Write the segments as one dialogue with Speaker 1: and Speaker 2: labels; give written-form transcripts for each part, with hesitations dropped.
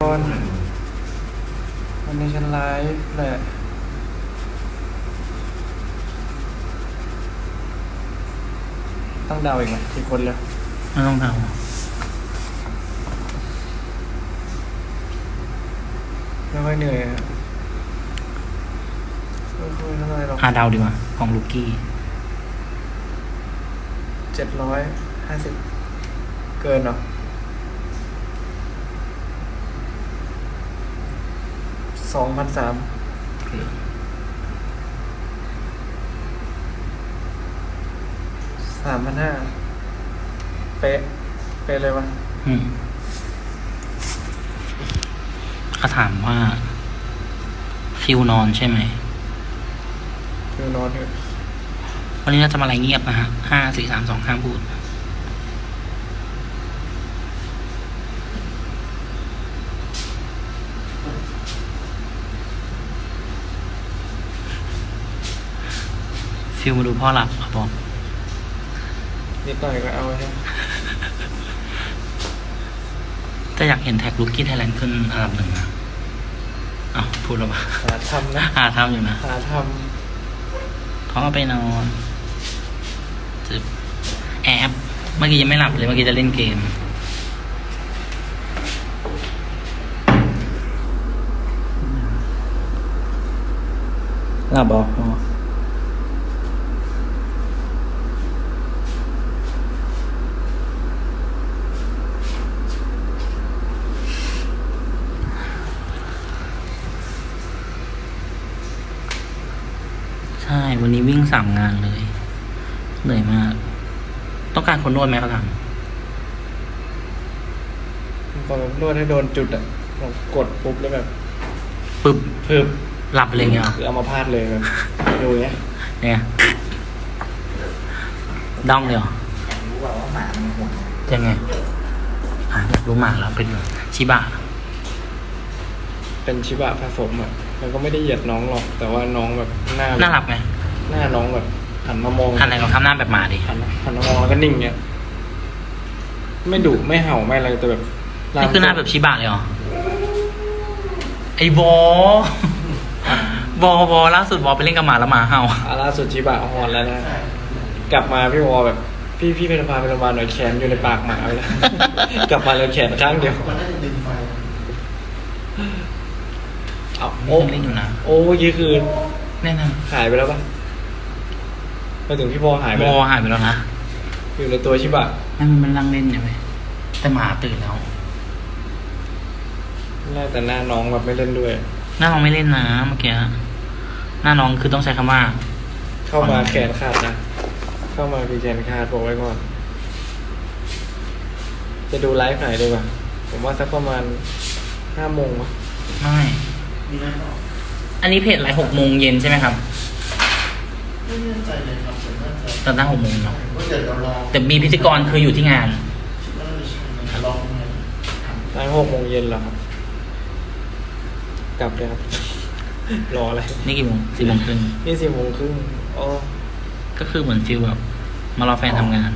Speaker 1: วันนี้ฉันไลฟ์แหละต้องเดาอีกไหมกี่คนแล้ว
Speaker 2: ไม่ต้องเดา
Speaker 1: ไม่ค่อยเหนื่อยอะไม่ค่อยเท่าไหร่หรอก
Speaker 2: เดาดีกว่าของลูกี้
Speaker 1: 750เกินหรอ2,300 3,500เป๊ะเลยวะ
Speaker 2: เขาถามว่าฟิวนอนใช่ไหม
Speaker 1: ฟิวนอนเถอะ
Speaker 2: วันนี้เราจะมาอะไรเงียบนะฮะ5 4 3 2ห้ามพูดฟิวมาดูพ่อหลับครับผม
Speaker 1: นิดหน่อยก็เอาใช่ไหม
Speaker 2: แต่อยากเห็นแท็กลูกี้ไทยแลนด์ขึ้นอันดับ 1นะพูดแล้วปะ
Speaker 1: หาทำนะ
Speaker 2: ทำอยู่นะ
Speaker 1: หาท
Speaker 2: เพราะว่าไปนอนแอบเมื่อกี้ยังไม่หลับเลยเมื่อกี้จะเล่นเกมหลับบอกใช่วันนี้วิ่ง3 งานเลยเหนื่อยมากต้องการคนนวดไหมเขาถาม
Speaker 1: พอแบบนวดให้โดนจุดอ่ะกดปุ๊บแล้วแบบ
Speaker 2: ปึ๊บ
Speaker 1: พึบ
Speaker 2: หลับเลยเงี้ย
Speaker 1: คือเอามาพาดเลยแบบดูเนี้ย
Speaker 2: ด้องเลยเหรอ
Speaker 3: อยากรู้ว่าหมามันห่วง
Speaker 2: ยังไงอยากรู้หมาแล้วเป็นชิบะ
Speaker 1: เป็นชิบะผสมอ่ะมันก็ไม่ได้เหยียดน้องหรอกแต่ว่าน้องแบบ
Speaker 2: น่ารักไหม
Speaker 1: หน้าน้องแบบหันมามอง
Speaker 2: หันอะไรลองทำหน้าแบบหมาดิ
Speaker 1: หันมามองแล้วก็นิ่งเงี้ยไม่ดุไม่เห่าไม่อะไรแต่แบบ
Speaker 2: นี่คือหน้าแบบชิบะเลยเหรอไอ้บอล่าสุดบอไปเล่นกับหมาแล้วหมาเห่า
Speaker 1: ล่าสุดชิบะหอนแล้วนะกลับมาพี่วอแบบพี่เป็นพาไปโรงพยาบาลหน่อยแขนอยู่ในปากหมาไปแล้วกลับมาเลยแขนข้างเดียว
Speaker 2: โอ้เล่นอยู่นะ
Speaker 1: โอ้เมื่อกี้คือ
Speaker 2: แน่นอน
Speaker 1: หายไปแล้วปะไปถึงพี่วอหายไปแล้ว
Speaker 2: หายไปแล้วนะ
Speaker 1: อยู่ในตัวชิบะ
Speaker 2: มันนั่งเล่นอยู่ไหมแต่หมาตื่นแล้ว
Speaker 1: น่าแต่หน้าน้องแบบไม่เล่นด้วย
Speaker 2: หน้าน้องไม่เล่นนะเมื่อกี้หน้าน้องคือต้องใช้คำว่า
Speaker 1: เข้ามาแขนขาดนะเข้ามาคือแขนขาดบอกไว้ก่อนจะดูไลฟ์ไหนดีกว่าผมว่าสักประมาณ5 โมงวะ
Speaker 2: ไม่อันนี้เพจไลฟ์6 โมงเย็นใช่ไหมครับ
Speaker 3: ไม่แน่ใจเลยครับผมน่าจะ
Speaker 2: ตอนตั้ง6 โมงเนาะแต่มีพิธีกรคืออยู่ที่งาน
Speaker 3: ลอง
Speaker 1: ไลฟ์6 โมงเย็นเหรอครับกลับเลยครับรออะไร
Speaker 2: นี่กี่โมง4 โมงครึ่ง
Speaker 1: นี่4 โมงครึ่งอ๋อ
Speaker 2: ก็คือเหมือนฟิลแบบมารอแฟนทำงาน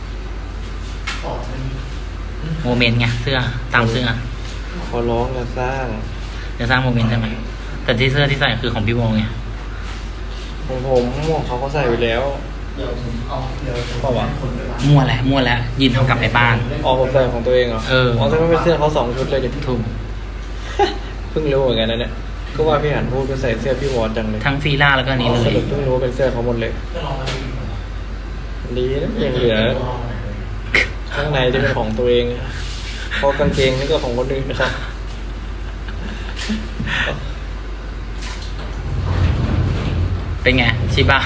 Speaker 2: โมเมนต์ไงเสื้อตามเสื้อ
Speaker 1: ขอร้องอย่าสร้าง
Speaker 2: โมเมนต์ใช่ไหมแต่ที่เสื้อที่ใส่คือของพี่วงไง
Speaker 1: ของผมเขาก็ใส่ไปแล้ว
Speaker 3: เดี๋ยวผมเอา
Speaker 1: เพราะว่า
Speaker 2: มั่วแล้วยินเอากลับไปบ้าน
Speaker 1: ผมใส่ของตัวเองเหรอแต่ไม่เป็นเสื้อเขา2 ชุดเลยดิ
Speaker 2: ถูก
Speaker 1: เพิ่งรู้เหมือนกันนะเนี่ยก็ว่าพี่หันพูดก็ใส่เสื้อพี่วอร์ดจังเลย
Speaker 2: ทั้งฟีล่าแล้วก็นี้เลย
Speaker 1: เพิ่งรู้เป็นเสื้อเขาหมดเลยดีนะยังเหลือข้างในจะเป็นของตัวเองพอกางเกงนี่ก็ของคนอื่นนะครับ
Speaker 2: เป็นไงชิบะ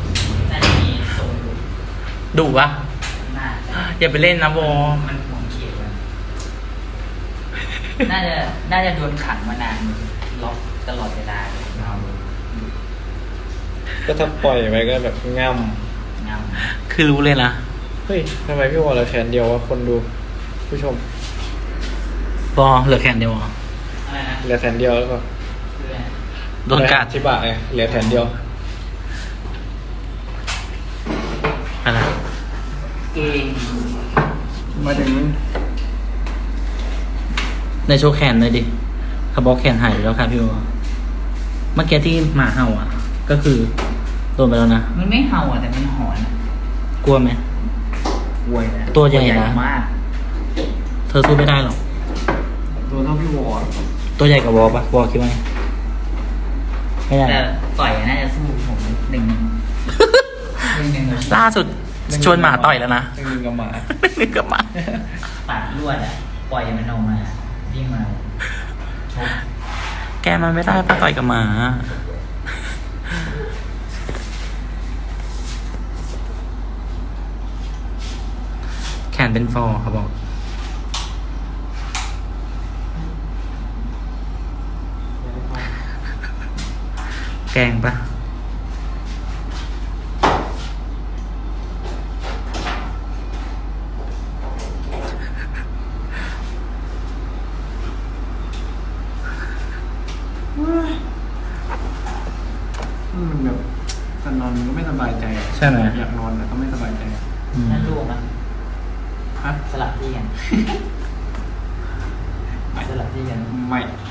Speaker 2: ดุปะอย่าไปเล่นนะโบ
Speaker 3: มันห่วงเขียวน่าจะโดนขังมานานล็อกตลอดเวลาเลย
Speaker 1: ก็ถ้าปล่อยไว้ก็แบบง่
Speaker 2: ำคือรู้เลยนะ
Speaker 1: เฮ้ยทำไมพี่วอลเหลือแขนเดียววะคนดูผู้ชม
Speaker 2: เหลือแขนเดียว
Speaker 1: เหลือแขนเดียวแล้วก็
Speaker 2: โดนกัด
Speaker 1: ชิบะไงเหลือแขนเดียว
Speaker 2: อะไร
Speaker 3: เก่ง
Speaker 1: มาถึง
Speaker 2: ในโชว์แขนเลยดิเขาบอกแขนหายไปแล้วค่ะพี่วอเมื่อกี้ที่หมาเห่าอ่ะ ก็คือโดนไปแล้วนะ
Speaker 3: มันไม่เห่าอ่ะแต่มันหอนอ่ะ
Speaker 2: กลัวไหม
Speaker 3: กลัวนะ
Speaker 2: ตัวใหญ่นะ
Speaker 3: มาก
Speaker 2: เธอสู้ไม่ได้หรอก
Speaker 1: ตัวเท่าพี่วอล
Speaker 2: ตัวใหญ่กับวอปะวอคิดว่าไงไม่ได้
Speaker 3: แต่ต่อยน่าจะสู้ผมหนึ่งเลย
Speaker 2: ล่าสุดชวนหมาต่อยแล้วนะ
Speaker 1: หนึ่งกับหมา
Speaker 2: นึกกับหมา
Speaker 3: ปาดลวดอ่ะปล่อยมันออกมาวิ่งมาชก
Speaker 2: แกมันไม่ได้ป้าต่อยกับหมา แขนเป็นฟอร์เขาบอก แกงปะ
Speaker 1: มันแบบจะนอนมันก็ไม่สบายใจอะ
Speaker 2: ใช่ไหม
Speaker 1: อยากนอนแต่ก็ไม่สบายใจ
Speaker 2: อืม
Speaker 3: นั่นลูกนะ
Speaker 1: ฮะ
Speaker 3: สลับที่กันสลับที่กัน
Speaker 1: ไม่